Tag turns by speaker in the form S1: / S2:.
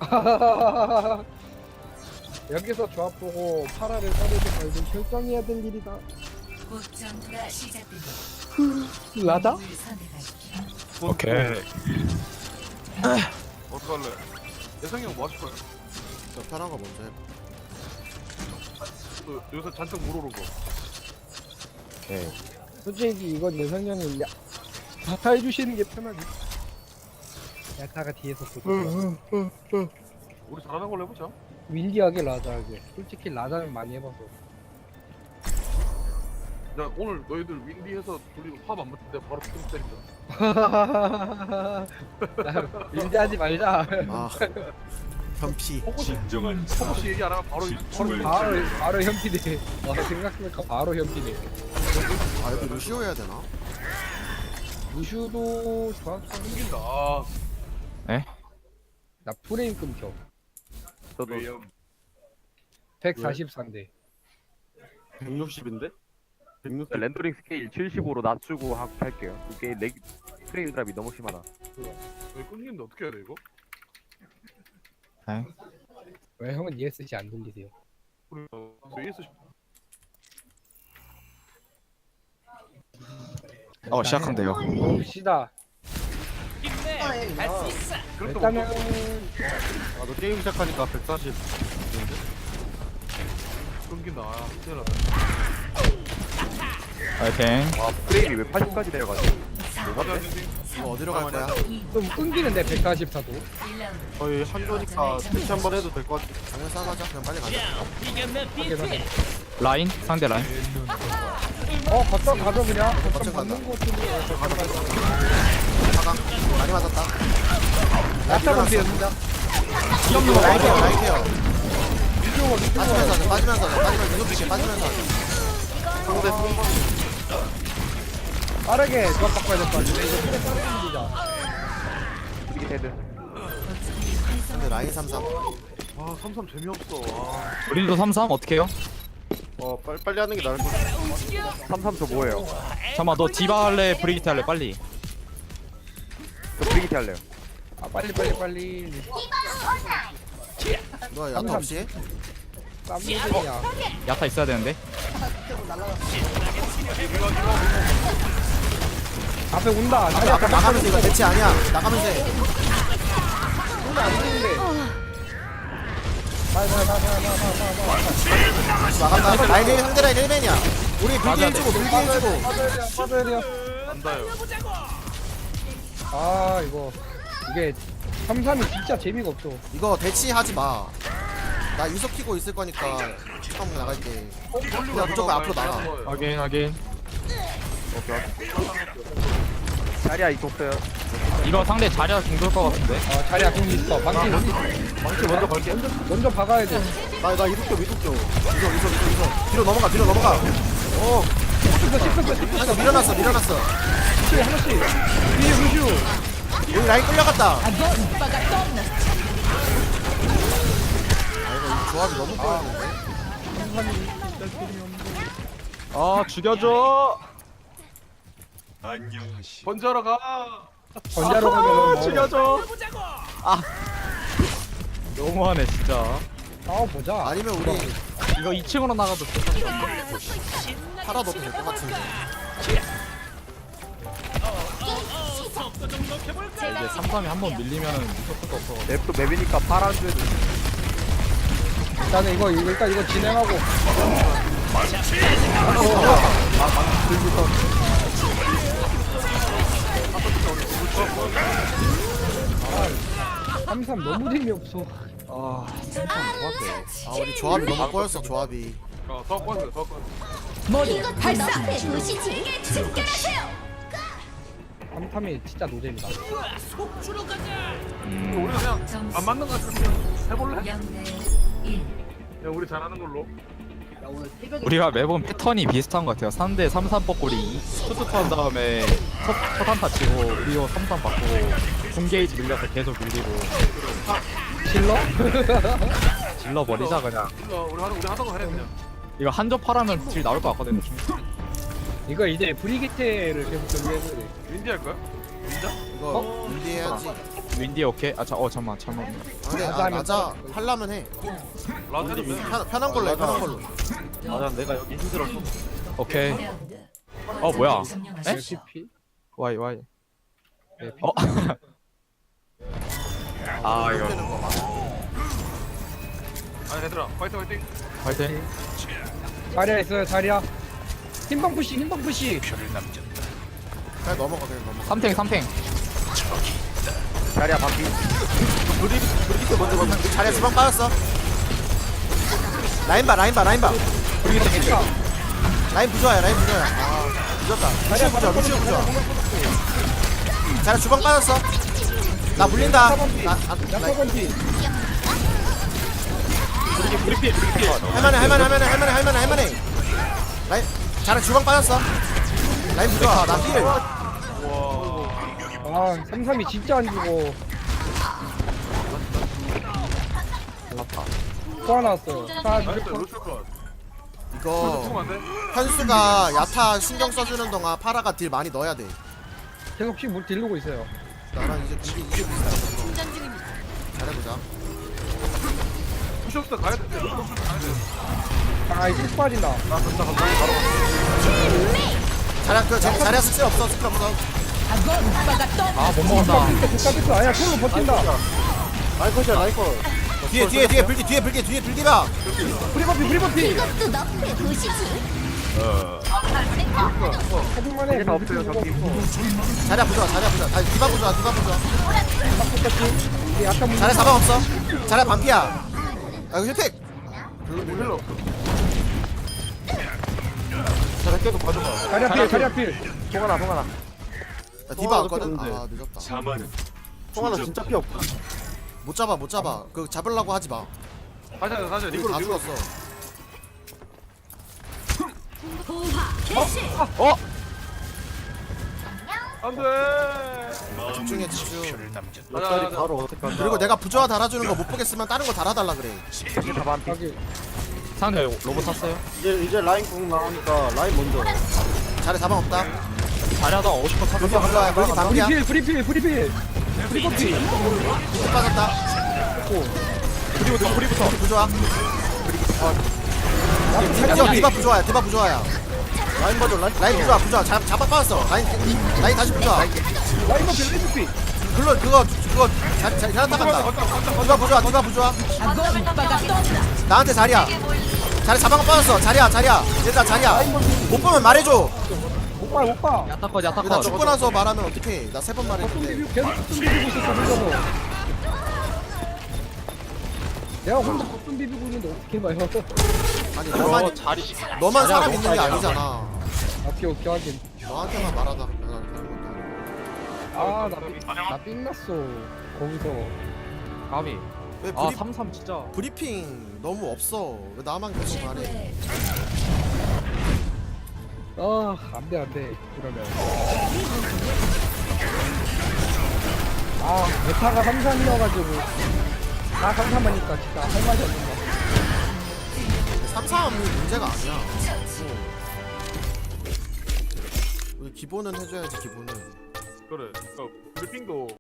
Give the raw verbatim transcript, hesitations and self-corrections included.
S1: 여기서 조합 보고 파라를 따르지 말고 결정해야 될 일이다.
S2: 곧 전투가 시작됩니다.
S1: 라다?
S2: 누굴 선택하십시오.
S3: 오케이.
S4: 어떡할래? 예성이 형 뭐 하실 거야?
S5: 저 편한 거 먼저 해.
S4: 그 여기서 잔뜩 물어오고.
S3: 오케이.
S1: 솔직히 이건 예상 형이 야 다 해주시는 게 편하지. 야타가 뒤에서 보고
S4: 우리 잘하는 걸로 해보자.
S1: 윈디하게 라자하게. 솔직히 라자는 많이 해봐서.
S4: 야 오늘 너희들 윈디해서 둘이 화안 맞을 때 바로 좀 때린다.
S1: 윈디하지 말자.
S5: 아 현피.
S4: 진정한 혹시 얘기 안 하면 바로 바로
S1: 바로 바로 현피네. 와 생각해보니까 바로 현피네.
S5: 아 여기 루시오 해야 되나?
S1: 루슈도 조합상
S4: 생긴다. 아,
S1: 나 프레임 끊겨.
S4: 저도
S1: 백사십사인데.
S6: 백육십인데? 백육십.
S3: 렌더링 스케일 칠십오로 낮추고 하, 할게요. 이게 렉 프레임 드랍이 너무 심하다.
S4: 여기 끊기는데 어떻게 해야 돼 이거?
S1: 왜 형은 이에스씨 안 돌리세요?
S4: 우리 에이에스
S3: 어 시작한대요.
S1: 봅시다.
S4: 그래도
S1: 일단은
S6: 아, 너 게임 시작하니까 백사십.
S4: 끊긴다. 아, 큰일 났다.
S3: 파이팅. 와 프레임이 왜 팔십까지 내려가지?
S4: 가자,
S5: 이거 어디로 갈 거야?
S1: 좀 끊기는데 백사십사도.
S2: 일 라운드.
S6: 거의 한조니까 패치 한번 해도 될 것 같아.
S5: 장면 싸가자. 그냥 빨리 가자.
S1: 하긴 하긴.
S3: 라인 상대 라인.
S1: 어 거점 가져 그냥. 거점
S5: 거점
S1: 받는
S5: 간다.
S1: 거 같은데.
S5: 사강. 많이 맞았다.
S1: 야타 본피였습니다.
S5: 라인 케어 라인 케어.
S1: 미주가 미주가.
S5: 빠지면서 하자. 빠지면서 하자. 빠지면서 계속 비게 빠지면서 하자.
S6: 상대 승부.
S1: 빠르게 조합 바꿔야 될 것 같은데. 이거 크게 빠르게 밀자.
S3: 이게 헤드.
S5: 근데 라인 삼삼.
S4: 아 삼삼 재미없어. 아,
S3: 우리도 삼삼 어떻게 해요?
S6: 어, 빨리 빨리 하는 게 나을 것 같아.
S3: 삼삼 저 뭐예요? 잠깐만 너 디바 할래 브리기트 할래 빨리. 저 브리기트 할래요.
S1: 아 빨리 빨리 빨리.
S5: 너 야타 없이?
S1: 쌈무들이야.
S3: 야타 있어야 되는데.
S1: 앞에 온다.
S5: 앞에 앞에 나가면서 이거 대치 아니야. 나가면서 해.
S1: 오늘 안 되는데. 빨리 빨리 빨리 빨리 빨리 빨리.
S5: 나간다. 라인 일 상대 라인 일 맨이야. 우리 빌드
S3: 맞아,
S5: 해주고 빌드 해주고.
S1: 빠져야 빠져야 돼요.
S4: 안다요.
S1: 아 이거 이게 삼삼이 진짜 재미가 없어.
S5: 이거 대치하지 마. 나 이석 키고 있을 거니까 처음 나갈게. 그냥 무조건 앞으로 나가.
S3: 확인 확인. 자리야 이거 없어요. 이거 상대 자리야 중돌 것 같은데.
S1: 어 자리야 공 있어. 망치
S6: 망치 먼저 걸게.
S1: 먼저 먼저 박아야 돼.
S5: 나나 이석 줘 이석 줘. 이석 이석 이석 이석. 뒤로 넘어가 뒤로 넘어가. 어.
S1: 씹혔어 씹혔어 씹혔어.
S5: 하나 밀어놨어 밀어놨어.
S1: 하나씩 하나씩. 뒤에 루슈.
S5: 여기 라인 끌려갔다. 아 이거 이 조합이 너무 꼬였는데.
S3: 아 죽여줘.
S4: 번지하러 가.
S1: 전자로 가면 뭐.
S3: 죽여줘. 아 너무하네 진짜.
S1: 싸워 보자.
S5: 아니면 우리
S3: 이거 이 층으로 나가도 돼.
S5: 팔아 넣어도 될 것 같은데.
S3: 이제 삼삼이 한 번 밀리면은 무섭을 것도 없어. 맵도 맵이니까 파란 줄.
S1: 일단은 이거 일단 이거 진행하고. 아, 삼삼 너무 재미없어.
S3: 아 삼삼 뭐할게.
S5: 아 우리 조합이 너무 꼬였어 조합이.
S4: 어, 더 꺼져, 더 꺼져.
S2: 발사. 도시지. 집결하세요.
S1: 삼삼이 진짜 노잼이다.
S4: 우리 그냥
S2: 점수
S4: 안 맞는 거 같으면 해볼래?
S2: 영 대 일.
S4: 야 우리 잘하는 걸로.
S3: 우리가 매번 패턴이 비슷한 것 같아요. 상대 삼삼 뻐꼬리 투투 한 다음에 첫, 첫 한타 치고 우리도 삼삼 받고 궁게이지 밀려서 계속 밀리고
S1: 실러?
S3: 질러 버리자 그냥.
S4: 일로 와, 우리 하는 우리 하던 거 해 그냥.
S3: 이거 한접 하라면 질 나올 것 같거든요.
S1: 이거 이제 브리기테를 계속 준비해야 돼.
S4: 윈디 할 거야? 윈자?
S5: 이거 준비해야지.
S3: 윈디 오케이. 아자어 잠만 잠만.
S5: 아, 근데
S1: 라자
S5: 아,
S1: 하면
S5: 라자 하려면 해.
S4: 라자는 왜?
S5: 편, 편한 걸로 해 편한 걸로.
S6: 맞아 내가 여기 힘들어서
S3: 오케이.
S2: 라운드.
S3: 어 뭐야? 에?
S1: 피피
S3: 와이 와이.
S1: 네, 피.
S3: 어? 아 이거
S5: 되는 거 봐.
S4: 아니 얘들아 파이팅 파이팅.
S3: 파이팅.
S1: 자리야 있어요 자리야. 흰방 푸시 흰방 푸시.
S5: 그냥 넘어가 그냥 넘어가.
S3: 삼탱 삼탱.
S6: 자리야 바퀴 브리 브리기트 먼저 봐
S5: 자리야 주방 빠졌어. 라인 봐 라인 봐 라인 봐. 라인 부조야 라인 부조야. 아 늦었다. 루시오 부조 루시오 부조. 자리야 주방 빠졌어. 나 물린다. 나, 나, 나,
S1: 야타건피.
S3: 브리피 브리피.
S5: 할만해 할만해 할만해 할만해 할만해 할만해. 라인 자리야 주방 빠졌어. 라인 부조야 나 힐.
S1: 아 삼삼이 진짜 안 죽어. 또 하나 왔어요. 자
S4: 나이스
S1: 무조건
S4: 루시오 컷.
S5: 이거
S4: 조금 안 돼?
S5: 현수가 야타 신경 써주는 동안 파라가 딜 많이 넣어야 돼.
S1: 계속 씩 딜르고 있어요.
S5: 나랑 이제 이게 이게 비슷하거든. 잘해보자.
S4: 루시오스 가야 돼. 루시오스 가야 돼.
S1: 아 이거 빠진다.
S4: 나 간다 간다 바로.
S5: 자리야 그 자- 자리야 스킬 없어 스킬 없어.
S3: 아못 먹었다.
S1: 됐다 됐다. 아야 손으로 버틴다.
S6: 라이컷이야 라이컷
S5: 뒤에 뒤에 뒤에 불기 뒤에 불기 뒤에 불기봐.
S1: 브리버피 브리버피.
S2: 이것도 너프의 도시지.
S1: 하중만해.
S6: 다 없어요 저기
S5: 자리야 부좋아 자리야 부좋아. 아 디바 부좋아 디바 부좋아.
S1: 이게 약간 문.
S5: 자리야 사방 없어. 자리야 반피야. 아 이거 힐팩.
S4: 힐러.
S6: 자리 계속 가져가
S1: 자리 앞필 자리 앞필.
S6: 송하나 송하나
S5: 나 디바
S6: 어,
S5: 왔거든.
S6: 높였는데.
S5: 아 늦었다.
S6: 송하나 진짜 피 없다
S5: 못 잡아 못 잡아. 그 잡으려고 하지 마.
S4: 가자 가자
S5: 우리
S4: 리그로
S5: 다
S4: 리그로.
S5: 죽었어.
S3: 어?
S4: 안돼.
S5: 집중해 집중.
S6: 옆자리 바로 어떻게 한다
S5: 그리고 내가 부조화 달아주는 거 못 보겠으면 다른 거 달아달라 그래.
S6: 다 반피
S1: 여기
S3: 상대 로봇 탔어요.
S6: 이제 이제 라인 궁 나오니까 라인 먼저
S5: 자리 사방 없다.
S3: 자리하다 오십 번
S5: 불기
S3: 탔어.
S5: 불러야 불기 반피야.
S1: 브리필 브리필 브리필. 브리버피.
S5: 밑에 빠졌다.
S3: 브리부터 브리부터.
S5: 부조화. 디바 디바 부조화야 디바 부조화야.
S6: 라인 먼저 라인
S5: 라인 부조화 부조화 잡 잡아 빠졌어. 라인 라인 다시 부조화.
S1: 라이버피 라이버피.
S5: 그거 그거 그거 잘 잘 잘한다 간다. 디바 부조화 디바 부조화. 나한테 자리야. 자리 사방 빠졌어. 자리야 자리야. 얘들아 자리야. 못 보면 말해줘.
S1: 오빠 오빠.
S3: 야타컷
S5: 나
S3: 야타컷.
S5: 죽고 나서 말하면 어떡해. 나 세 번 말했는데.
S1: 쏜비비 계속 쏜비비고 있었어 혼자서. 내가 혼자 쏜 비비고 있는데 어떻게 봐요?
S5: 아니
S3: 어
S5: 너만
S3: 자리.
S5: 너만 사람
S3: 자리야,
S5: 있는 게
S3: 너무
S5: 아니잖아.
S1: 오케이 오케이 확인.
S5: 너한테만 말하다. 내가 그런 것도 아니고.
S1: 아나나 삥났어 거기서.
S3: 가비.
S5: 왜
S3: 아
S5: 브리,
S3: 삼삼 진짜.
S5: 브리핑 너무 없어. 왜 나만 계속 말해?
S1: 아 안돼 안돼 이러면. 아 메타가 삼삼이어가지고 다 삼삼하니까 진짜 할 말이 없는다.
S5: 삼삼이 문제가 아니야. 우리 기본은 해줘야지 기본은.
S4: 그래. 그러니까 브리핑도